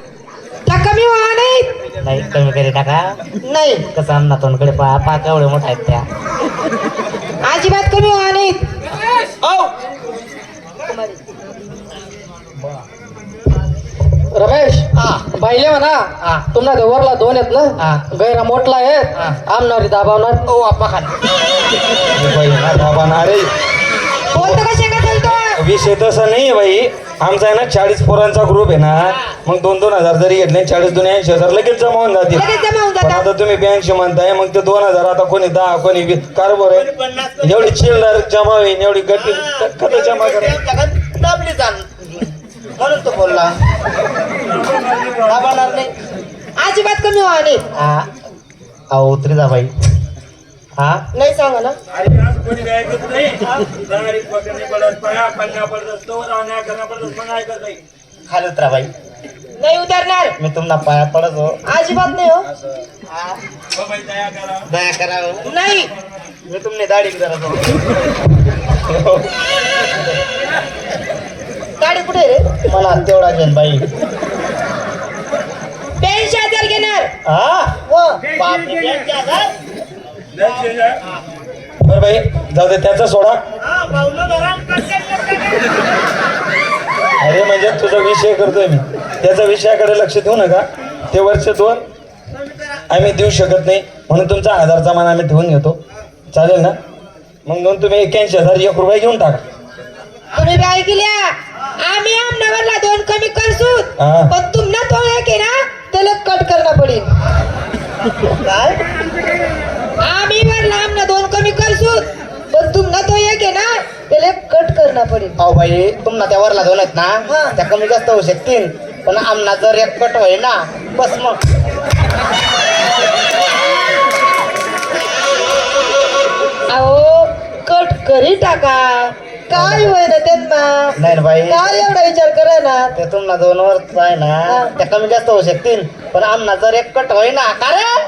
त्या कमी व्हा नाही. नाही कमी करी टाका. नाही कसं अन्ना तोंडकडे पहा पहा केवढे मोठा आहेत त्या. अजिबात कमी व्हा नाही. रमेश पाहिले म्हणा हा. तुम्हाला गवरला दोन आहेत हा. ना गैरा मोठला हा. आहेत आमनारी दाबावणार ओ आपा खान बाबा ना रे बोलतो कशा का चालतो. विषय तसा नाही बाई. आमचा आहे ना 40 पोरांचा ग्रुप आहे ना. मग 2-2 हजार जरी घेतले 40 2 80,000 लगेच जमा होऊन जातील. लगेच जमा होऊन पण जातात. आता तुम्ही 82 म्हणताय मग ते 2,000 आता कोणी 10 कोणी 20 कारभार आहे. एवढी चिल्लर जमा होईल एवढी गट्टी कधी जमा करा. दाबली जाण म्हणून तो बोलला दाबणार नाही. अजिबात कमी व्हा नाही. अहो उतरी जा बाई. हा नाही सांगा ना. खाली उतरा बाई. नाही उतरणार. मी तुम्हाला पाया पडत हो. अजिबात नाही हो. दया करा हो. नाही मी तुमने दाढी करत हो. गाडी कुठे रे. मला तेवढा घेन बाई. 82,000 घेणार. हा हो बापरे 82,000. बरं बाई जाऊ दे त्याचा सोडा. अरे म्हणजे तुझा विषय करतोय मी. त्याचा विषयाकडे लक्ष देऊ नका. ते वर्ष 2 आम्ही देऊ शकत नाही म्हणून तुमचा 1000चा मान आम्ही ठेवून घेतो. चालेल ना. मग दोन तुम्ही 81,000 1 रुपये घेऊन टाका. तुम्ही काय केल्या. आम्ही आमनावरला 2 कमी करसू. हा. पण तुमना तो एक आहे ना त्याला कट करणं पडेल. काय आम्ही वरला आमना 2 कमी करसू. पण तुमना तो एक आहे ना त्याला कट करणं पडेल. अहो बाई तुम्हाला त्या वरला दोन आहेत हा. ना त्या कमी जास्त होऊ शकतील. पण आमना जर एक कट होय ना बस मग. अहो कट करी टाका. काय होय ना त्यांना. नाही ना बाई काय एवढा विचार करा ना. ते तुम्हाला 2 वर आहे ना हा. त्या कमी जास्त होऊ शकतील. पण आमना जर एक कट होय ना कारण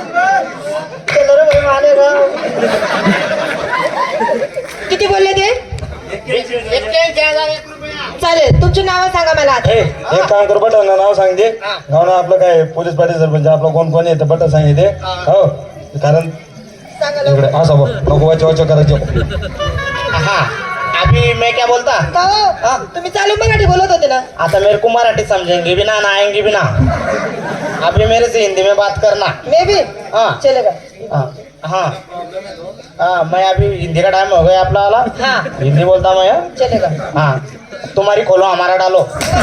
किती बोलले ते. 81,000 1 रुपया. चालेल तुमची नावं सांगा मला आता. एक काम कर बट नाव सांगते. गाव ना आपलं काय पोलीस पाटील सरपंच आपलं कोण कोण येतं बट सांगितले. हो कारण सांगा इकडे लवकर. असं बोल नको वाच वाच करायचं. हाँ अभी मैं क्या बोलता. का हो? तुम्ही चालू मराठी बोलत होते ना. आता मेरे को मराठी समझेंगे भी ना आएंगे भी ना. अभी मेरे से हिंदी में बात करना. मे भी हाँ चलेगा. हाँ हाँ हाँ मैं अभी हिंदी का टाइम हो गया अपना वाला. हाँ हिंदी बोलता मैं. चलेगा. हाँ तुम्हारी खोलो हमारा डालो.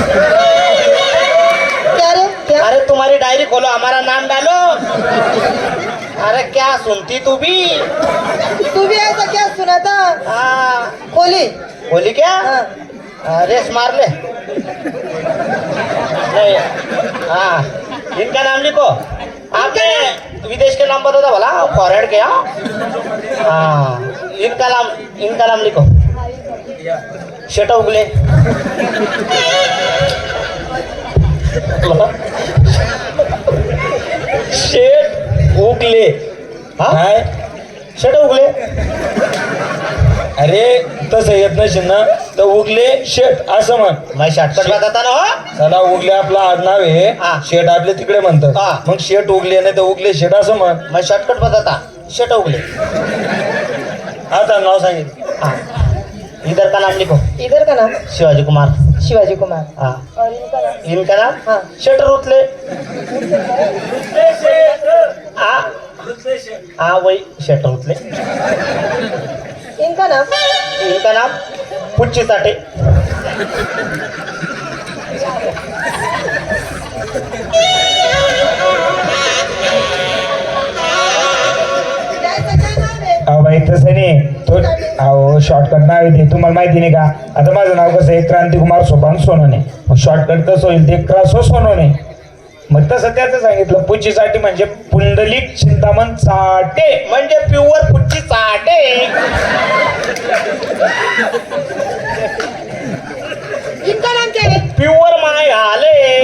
क्या रे क्या. अरे तुम्हारी डायरी खोलो हमारा नाम डालो. अरे क्या सुनती तू भी. तू भी ऐसा क्या सुना था. हाँ खोली. बोली क्या. हाँ. रेस मार ले. नहीं हाँ इनका नाम लिखो. आपने विदेश के नाम बता था भला फॉरेन के. हाँ इनका नाम लिखो. शेटा उगले. शेट उगले. हाँ? काय शेटा उगले. अरे तसं येत नसेल ना तर उगले शेट असं म्हण. मैं शॉर्टकट बताता ना हो. चला उगले आपलं आडनाव आहे. हा. शेट आपले तिकडे हा. म्हणतात. मग शेट उगले नाही तर उगले शेट असं म्हण. मैं शॉर्टकट बताता. शेटा उगले. आता नाव सांगितलं. हाँ इधर का नाम लिखो. इधर का नाम शिवाजी कुमार. शिवाजी कुमार. हाँ और इनका नाम. इनका नाम हाँ. शेटर उतले. हाँ वही शेटर उतले. इनका नाम. इनका नाम पुच्ची साठे. त्याचं काय नाव आहे. अहो बाई तसं नाही तो अहो शॉर्टकट नाव आहे ते तुम्हाला माहिती नाही का. आता माझं नाव कसं आहे क्रांतिकुमार सोपान सोनवणे. मग शॉर्टकट कसं होईल ते क्रासो सोनवणे. मग तसं त्याचं सांगितलं पुच्चीसाठी म्हणजे पुंडलिक चिंतामण चाटे म्हणजे प्युअर पुच्ची साठे. इनका नाम क्या है. प्युअर माय आले.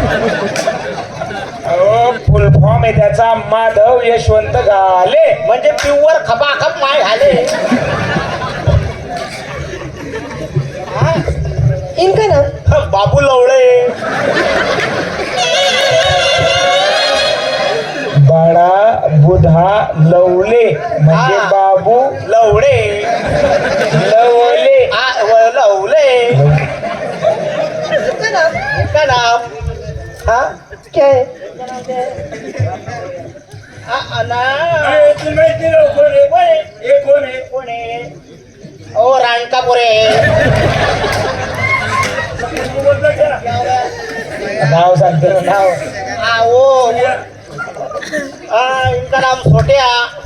अहो फुल फॉर्म आहे त्याचा माधव यशवंत घाले. म्हणजे प्युअर खपाखप माय आले. इनका नाम. बाबू लवळे. लवले म्हणजे हा. बाबू लवडे लवले लवले इसका नाम इनका नाम हाँ क्या है? ओ रानकापुरे नाव सांगते ना, नाव वो इनका नाम सोटिया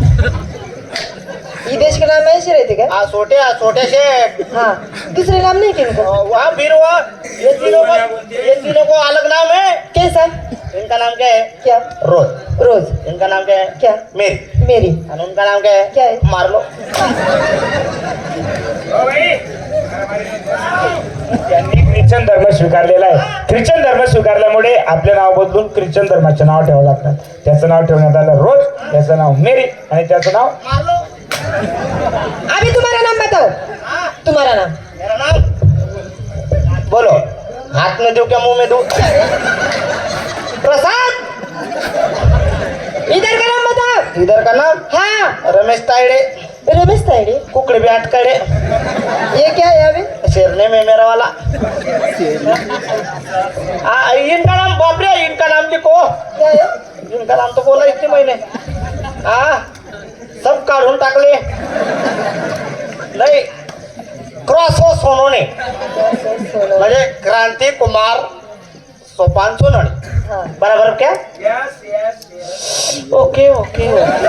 ये देश के नाम ऐसे रहते क्या? सोटिया छोटे शेठ हाँ, दूसरे नाम नहीं क्या इनको? वहाँ फिर वो ये तीनों को अलग नाम है। कैसा? इनका नाम क्या है? क्या? रोज। रोज। इनका नाम क्या है? क्या? मेरी। मेरी। और उनका नाम क्या है? क्या है? मार लो। त्यांनी ख्रिश्चन धर्म स्वीकारलेला आहे. ख्रिश्चन धर्म स्वीकारल्यामुळे आपले नाव बदलून ख्रिश्चन धर्माचे नाव ठेवावं लागतात. त्याचं नाव ठेवण्यात आलं रोज, त्याचं नाव मेरी आणि त्याचं नाव मार लो। अभी तुम्हारा नाम बताओ. तुम्हारा नाम? मेरा नाम बोलो। हाथ में दूं क्या मुंह में दूं? प्रसाद। इधर का नाम बताओ. इधर का नाम हाँ, रमेश तायडे, रमेश तायडे. कुकड़े भी अटकड़े, ये क्या है अभी? शेरने में मेरा वाला। इनका नाम बापरे, इनका नाम लिखो। क्या है? इनका नाम तो बोला इतने महीने सब काढून टाकले. नाही क्रॉस हो सोनोने म्हणजे क्रांती कुमार सोपान सोनोने. हाँ. बराबर क्या? ओके ओके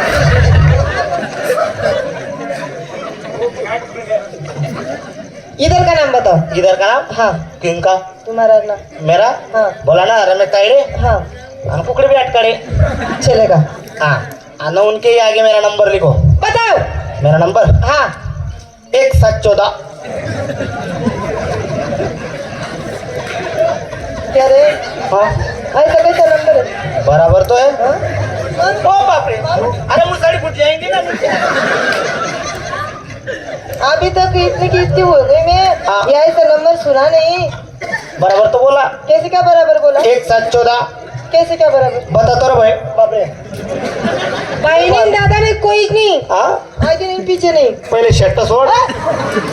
इधर का नाम बताओ. इधर का नाम हाँ, किनका? तुम्हारा नाम. मेरा हाँ. बोला ना रमेश तायडे हाँ, और कुकड़े भी अटकड़े. चलेगा. हाँ ना उनके ही आगे मेरा नंबर लिखो. बताओ. मेरा नंबर हाँ. 1714. क्या रे? हाँ ऐसा कैसा नंबर है? बराबर तो है. हाँ? ओ बाप रे, अरे मुझे फुट जाएंगे ना. अभी तक इतनी की इतनी हो गई मैं. हाँ. ये ऐसा नंबर सुना नहीं. बराबर तो बोला. कैसे क्या बराबर बोला? 1714. कैसे क्या बराबर? बता तो रे भाई. बाप रे. बहिणी दादा ने कोई नहीं. हाँ आगे नहीं पीछे नहीं. पहिले शर्ट सोड.